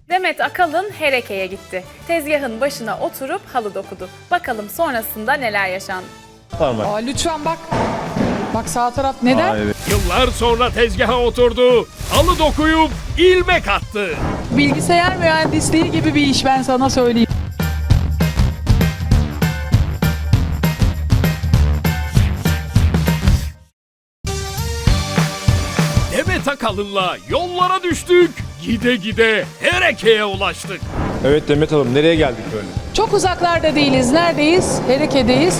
Demet Akalın Hereke'ye gitti. Tezgahın başına oturup halı dokudu. Bakalım sonrasında neler yaşandı. Parmak. Aa, lütfen bak. Bak sağ taraf neden? Aa, evet. Yıllar sonra tezgaha oturdu, halı dokuyup ilmek attı. Bilgisayar mühendisliği gibi bir iş, ben sana söyleyeyim. Demet Akalın'la yollara düştük, gide gide Hereke'ye ulaştık. Evet Demet Hanım, nereye geldik böyle? Çok uzaklarda değiliz. Neredeyiz? Hereke'deyiz.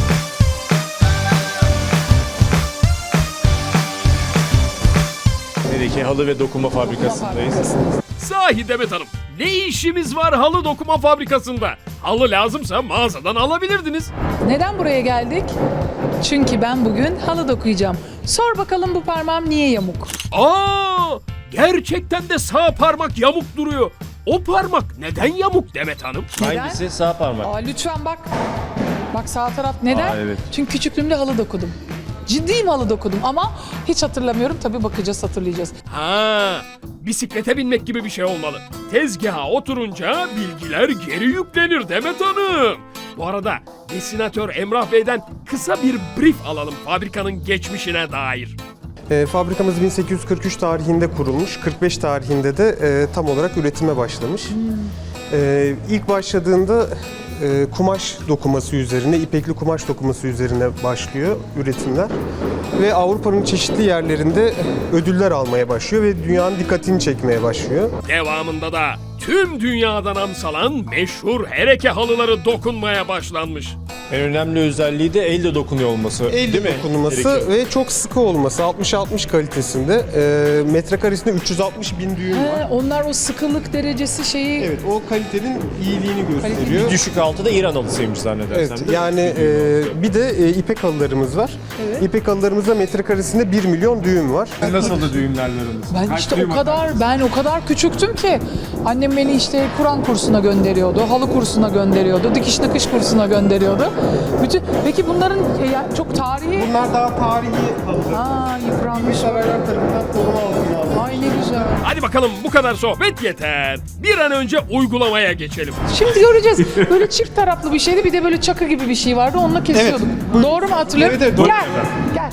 Nereki halı ve dokuma fabrikasındayız. Sahi Demet Hanım, ne işimiz var halı dokuma fabrikasında? Halı lazımsa mağazadan alabilirdiniz. Neden buraya geldik? Çünkü ben bugün halı dokuyacağım. Sor bakalım bu parmağım niye yamuk? Aa, gerçekten de sağ parmak yamuk duruyor. O parmak neden yamuk Demet Hanım? Neden? Hangisi? Sağ parmak. Aa, lütfen bak. Bak sağ taraf neden? Aa, evet. Çünkü küçüklüğümde halı dokudum. Ciddiyim, halı dokudum ama hiç hatırlamıyorum. Tabii bakacağız, hatırlayacağız. Ha, bisiklete binmek gibi bir şey olmalı. Tezgaha oturunca bilgiler geri yüklenir Demet Hanım. Bu arada desinatör Emrah Bey'den kısa bir brief alalım fabrikanın geçmişine dair. Fabrikamız 1843 tarihinde kurulmuş, 45 tarihinde de tam olarak üretime başlamış. İlk başladığında kumaş dokuması üzerine, ipekli kumaş dokuması üzerine başlıyor üretimler. Ve Avrupa'nın çeşitli yerlerinde ödüller almaya başlıyor ve dünyanın dikkatini çekmeye başlıyor. Devamında da tüm dünyadan amsalan meşhur Hereke halıları dokunmaya başlanmış. En önemli özelliği de elle dokunuyor olması. Elle değil mi? dokunulması Hereki. ve çok sıkı olması, 60-60 kalitesinde. Metrekaresinde 360 bin düğüm var. Onlar o sıkılık derecesi şeyi... Evet, o kalitenin iyiliğini gösteriyor. Düşük altı da İran halısıymış zannedersem. Evet, değil mi? yani bir de ipek halılarımız var. Evet. İpek halılarımızda metrekaresinde 1 milyon düğüm var. Nasıldı düğümlerleriniz? Ben o kadar küçüktüm ki annem beni işte Kur'an kursuna gönderiyordu, halı kursuna gönderiyordu, dikiş nakış kursuna gönderiyordu. Peki bunların çok tarihi... Bunlar daha tarihi halılar. Aa, yıpranmış. Saraylar tarafından koruma altına alınmış. Ay ne güzel. Hadi bakalım, bu kadar sohbet yeter. Bir an önce uygulamaya geçelim. Şimdi göreceğiz. Böyle çift taraflı bir şeydi, bir de böyle çakı gibi bir şey vardı, onunla kesiyorduk. Doğru mu hatırlıyorum? Evet, doğru. Gel. Gel.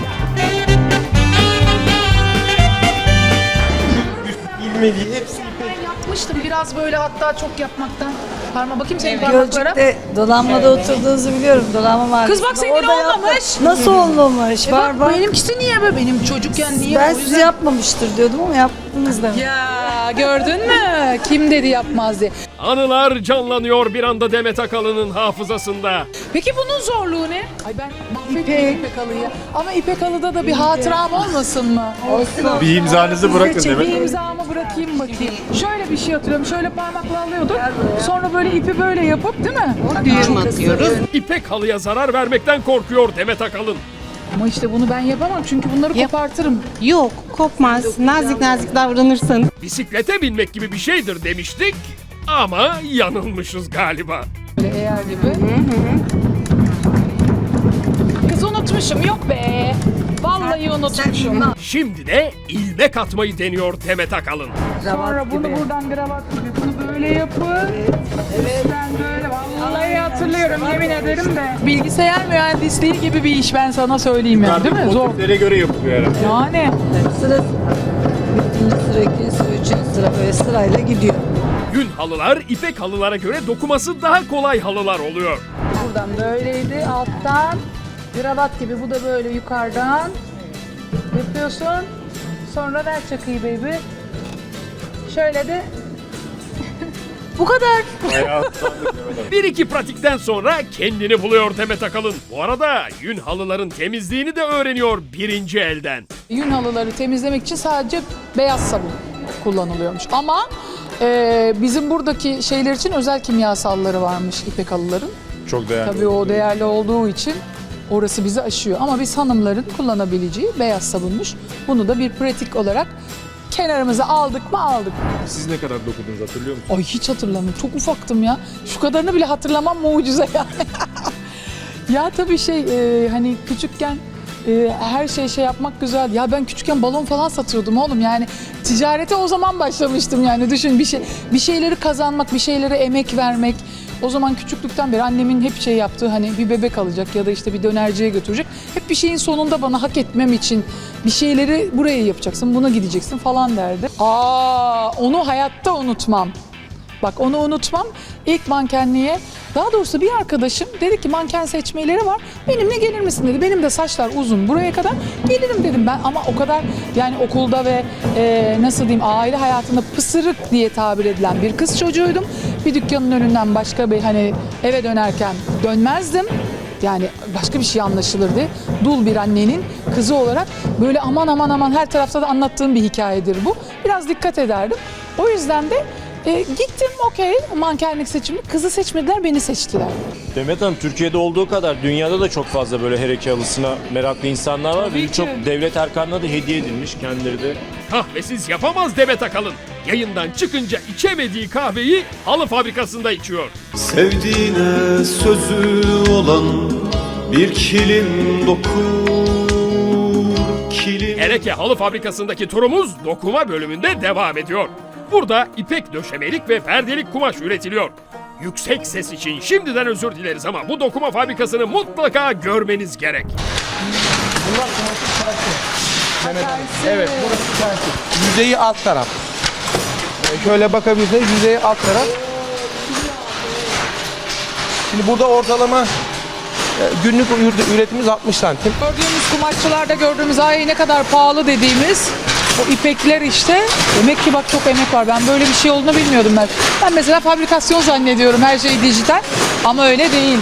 İlmeliği hepsi Ben yapmıştım biraz böyle, hatta çok yapmaktan. Parma bakayım senin parmaklara. Gölcük'te Dolanma'da oturduğunuzu biliyorum. Dolanma Mahallesi'nde. Kız bak senin Orada olmamış. Nasıl olmamış? Var bak. Benimkisi niye böyle? Benim çocukken niye? Ben O siz yüzden- yapmamıştır diyordum ama yaptınız demek. Ya gördün mü? Kim dedi yapmaz diye. Anılar canlanıyor bir anda Demet Akalın'ın hafızasında. Peki bunun zorluğu ne? Ay ben mahvettim İpek halıyı. Ama İpek halıda da bir hatıram olmasın mı? Olsun. Bir imzanızı bırakın Bir Demet Hanım. imzamı bırakayım bakayım. Şöyle bir şey hatırlıyorum. Şöyle parmakla alıyorduk. Sonra böyle ipi böyle yapıp, değil mi? Düğüm atıyoruz. İpek halıya zarar vermekten korkuyor Demet Akalın. Ama işte bunu ben yapamam çünkü bunları kopartırım. Yok, kopmaz. Nazik nazik davranırsanız. Bisiklete binmek gibi bir şeydir demiştik ama yanılmışız galiba. Böyle eğer gibi. Kız unutmuşum. Yok be. Vallahi unutmuşum. Şimdi de ilmek atmayı deniyor Demet Akalın. Sonra bunu buradan kravat gibi bunu böyle yapıp ben böyle vallahi hatırlıyorum, yemin ederim de. Bilgisayar mühendisliği gibi bir iş, ben sana söyleyeyim yani, değil mi? Zor. Motiflere göre yapılıyor herhalde. Yani. Sıra birinci sıra, ikinci sıra, üçüncü sıra böyle sırayla gidiyor. Yün halılar ipek halılara göre dokuması daha kolay halılar oluyor. Buradan böyleydi, alttan kravat gibi, bu da böyle yukarıdan yapıyorsun. Sonra ver çakıyı baby. Şöyle de bu kadar. Bir iki pratikten sonra kendini buluyor Demet Akalın. Bu arada yün halıların temizliğini de öğreniyor birinci elden. Yün halıları temizlemek için sadece beyaz sabun kullanılıyormuş. Ama bizim buradaki şeyler için özel kimyasalları varmış İpek halıların. Çok değerli. Tabii o değerli olduğu için orası bizi aşıyor. Ama biz hanımların kullanabileceği beyaz sabunmuş. Bunu da bir pratik olarak kenarımıza aldık mı aldık. Siz ne kadar dokudunuz hatırlıyor musunuz? Ay hiç hatırlamıyorum. Çok ufaktım ya. Şu kadarını bile hatırlamam mucize yani. Ya tabii hani küçükken her şey yapmak güzel. Ya ben küçükken balon falan satıyordum oğlum, yani ticarete o zaman başlamıştım yani. Düşün, bir şeyleri kazanmak, bir şeylere emek vermek. O zaman küçüklükten beri annemin hep şey yaptığı, hani bir bebek alacak ya da işte bir dönerciye götürecek. Hep bir şeyin sonunda bana hak etmem için bir şeyleri buraya yapacaksın, buna gideceksin falan derdi. Onu hayatta unutmam. Bak onu unutmam. İlk mankenliğe, daha doğrusu bir arkadaşım dedi ki manken seçmeleri var. Benimle gelir misin dedi. Benim de saçlar uzun buraya kadar. Gelirim dedim ben, ama o kadar yani okulda ve nasıl diyeyim, aile hayatında pısırık diye tabir edilen bir kız çocuğuydum. Bir dükkanın önünden başka bir, hani eve dönerken dönmezdim. Yani başka bir şey anlaşılırdı. Dul bir annenin kızı olarak böyle aman her tarafta da anlattığım bir hikayedir bu. Biraz dikkat ederdim. O yüzden de gittim, okey, mankenlik seçimi. Kızı seçmediler, beni seçtiler. Demet Hanım, Türkiye'de olduğu kadar dünyada da çok fazla böyle hereke halısına meraklı insanlar var. Tabii Birçok ki. devlet erkanına da hediye edilmiş, kendileri de. Kahvesiz yapamaz Demet Akalın. Yayından çıkınca içemediği kahveyi halı fabrikasında içiyor. Sevdiğine sözü olan bir kilim dokur, kilim. Ereke Halı Fabrikası'ndaki turumuz dokuma bölümünde devam ediyor. Burada ipek döşemelik ve perdelik kumaş üretiliyor. Yüksek ses için şimdiden özür dileriz ama bu dokuma fabrikasını mutlaka görmeniz gerek. Evet, burası tersi. Yüzeyi alt taraf. Şöyle bakabilirsiniz, yüzeyi alt taraf. Şimdi burada ortalama günlük üretimimiz 60 santim. Gördüğümüz kumaşçılarda gördüğümüz ay ne kadar pahalı dediğimiz o ipekler işte. Demek ki bak çok emek var. Ben böyle bir şey olduğunu bilmiyordum ben. Ben mesela fabrikasyon zannediyorum, her şey dijital. Ama öyle değil.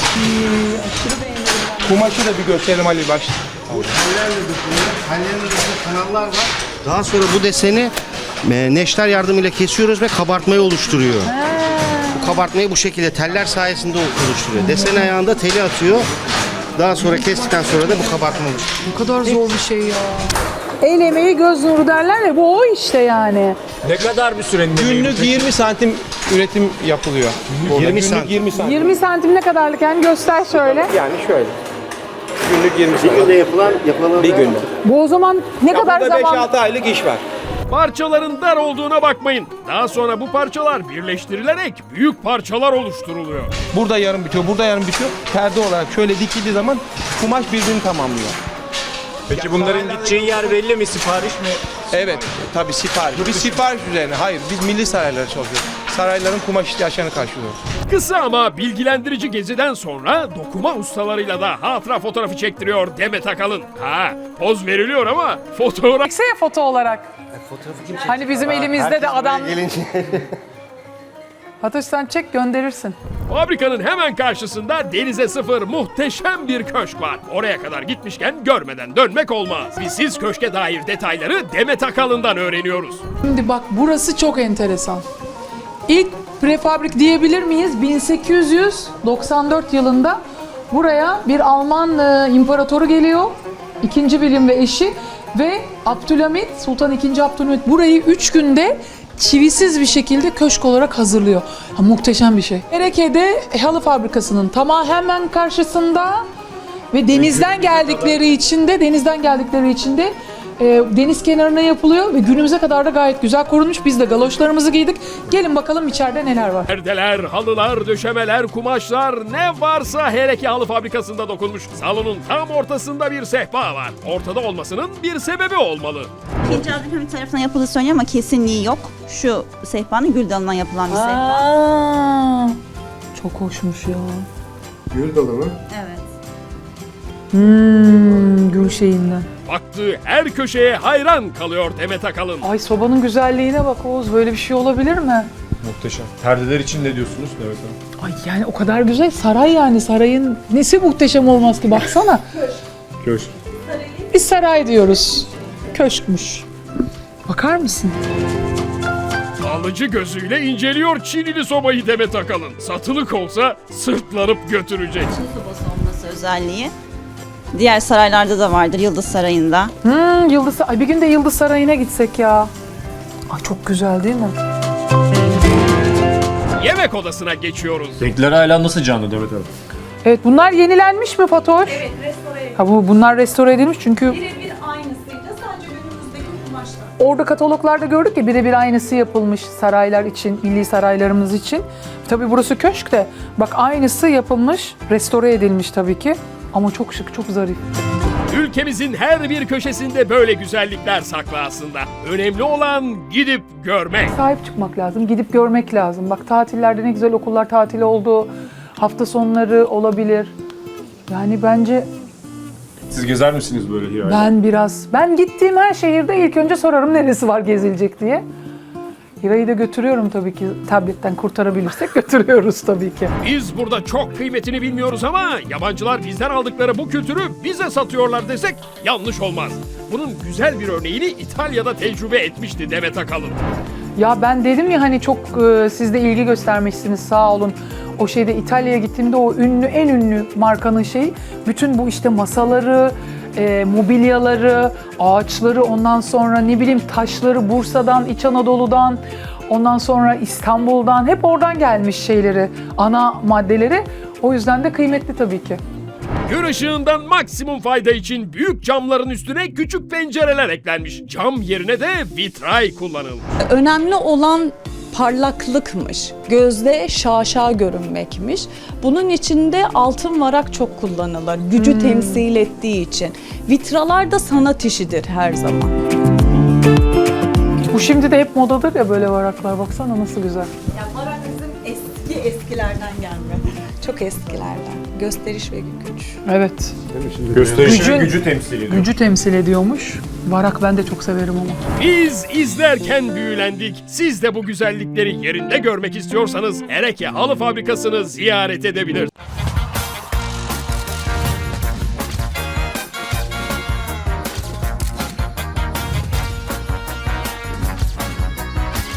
Kumaşı da bir gösterelim Ali baş. Hallerinde kanallar var. Daha sonra bu deseni neşter yardımıyla kesiyoruz ve kabartmayı oluşturuyor. Bu kabartmayı bu şekilde teller sayesinde oluşturuyor. Desen ayağında teli atıyor. Daha sonra kestikten sonra da bu kabartma oluşturuyor. Ne kadar zor bir şey ya. El emeği göz nuru derler ya, bu o işte yani. Ne kadar bir sürenin Günlük 20 santim üretim yapılıyor. 20 Günlük 20 santim. 20 santim ne kadarlık yani, göster şöyle. Yani şöyle. Günlük 20 Bir santim. günde yapılan Bir günde. Bu o zaman ne kadar Burada zaman? 5-6 aylık iş var. Parçaların dar olduğuna bakmayın. Daha sonra bu parçalar birleştirilerek büyük parçalar oluşturuluyor. Burada yarım bitiyor, burada yarım bitiyor. Perde olarak şöyle dikildiği zaman kumaş birbirini tamamlıyor. Peki bunların gideceği yer belli mi? Sipariş mi? Evet, tabii sipariş. Biz sipariş üzerine, hayır biz milli saraylara çalışıyoruz. Sarayların kumaş ihtiyaçlarını karşılıyoruz. Kısa ama bilgilendirici geziden sonra dokuma ustalarıyla da hatıra fotoğrafı çektiriyor Demet Akalın. Poz veriliyor ama fotoğraf... Çeksene foto olarak. Hani bizim elimizde de adam... Fatoş sen çek, gönderirsin. Fabrikanın hemen karşısında denize sıfır muhteşem bir köşk var. Oraya kadar gitmişken görmeden dönmek olmaz. Biz siz köşke dair detayları Demet Akalın'dan öğreniyoruz. Şimdi bak burası çok enteresan. İlk prefabrik diyebilir miyiz? 1894 yılında buraya bir Alman imparatoru geliyor. 2. William ve eşi ve Abdülhamit, Sultan II. Abdülhamit burayı 3 günde çivisiz bir şekilde köşk olarak hazırlıyor. Muhteşem bir şey. Ereke'de halı fabrikasının hemen karşısında ve denizden geldikleri için de deniz kenarına yapılıyor ve günümüze kadar da gayet güzel korunmuş. Biz de galoşlarımızı giydik. Gelin bakalım içeride neler var. Perdeler, halılar, döşemeler, kumaşlar ne varsa Hereke Halı Fabrikası'nda dokunmuş. Salonun tam ortasında bir sehpa var. Ortada olmasının bir sebebi olmalı. İkinci Abdülhamit tarafından yapıldığı söyleniyor ama kesinliği yok. Şu sehpanın gül dalından yapılan bir sehpa. Çok hoşmuş ya. Gül dalı mı? Evet. Gül şeyinden. Baktığı her köşeye hayran kalıyor Demet Akalın. Ay sobanın güzelliğine bak Oğuz, böyle bir şey olabilir mi? Muhteşem. Perdeler için ne diyorsunuz Demet Hanım? Ay yani o kadar güzel, saray yani, sarayın nesi muhteşem olmaz ki, baksana. Köşk. Biz saray diyoruz. Köşkmüş. Bakar mısın? Alıcı gözüyle inceliyor Çinili sobayı Demet Akalın. Satılık olsa sırtlanıp götürecek. Çin sobası olması özelliği. Diğer saraylarda da vardır, Yıldız Sarayı'nda. Yıldız, ay bir gün de Yıldız Sarayı'na gitsek ya. Ay çok güzel değil mi? Yemek odasına geçiyoruz. Renkler hala nasıl canlı Demet Hanım? Evet, bunlar yenilenmiş mi Fatoş? Evet, restore Ha, bunlar restore edilmiş çünkü birebir aynısıyla sadece günümüzdeki kumaşlar. orada kataloglarda gördük ya birebir aynısı yapılmış saraylar için, milli saraylarımız için. Tabii burası köşk de bak aynısı yapılmış, restore edilmiş tabii ki. Ama çok şık, çok zarif. Ülkemizin her bir köşesinde böyle güzellikler saklı aslında. Önemli olan gidip görmek. Sahip çıkmak lazım, gidip görmek lazım. Bak tatillerde ne güzel okullar tatili oldu. Hafta sonları olabilir. Yani bence Siz gezer misiniz böyle Hira'yla? ben gittiğim her şehirde ilk önce sorarım neresi var gezilecek diye. Hira'yı da götürüyorum tabii ki. Tabletten kurtarabilirsek götürüyoruz tabii ki. Biz burada çok kıymetini bilmiyoruz ama yabancılar bizden aldıkları bu kültürü bize satıyorlar desek yanlış olmaz. Bunun güzel bir örneğini İtalya'da tecrübe etmişti Demet Akalın. Ya ben dedim ya hani çok siz de ilgi göstermişsiniz sağ olun. O şeyde İtalya'ya gittiğimde o en ünlü markanın şeyi bütün bu işte masaları, mobilyaları, ağaçları, ondan sonra ne bileyim taşları Bursa'dan, İç Anadolu'dan, ondan sonra İstanbul'dan hep oradan gelmiş şeyleri, ana maddeleri. O yüzden de kıymetli tabii ki. Gün ışığından maksimum fayda için büyük camların üstüne küçük pencereler eklenmiş. Cam yerine de vitray kullanılmış. Önemli olan parlaklıkmış. Gözde şaşa görünmekmiş. Bunun içinde altın varak çok kullanılır. Gücü temsil ettiği için. Vitralar da sanat işidir her zaman. Bu şimdi de hep modadır ya böyle varaklar. Baksana nasıl güzel. Ya varak bizim eskilerden gelme. Çok eskilerden. Gösteriş ve güç. Evet. Gösterişi ve Gücün- gücü temsil ediyor. Gücü temsil ediyormuş. Varak ben de çok severim ama. Biz izlerken büyülendik. Siz de bu güzellikleri yerinde görmek istiyorsanız Ereke Halı Fabrikası'nı ziyaret edebilirsiniz.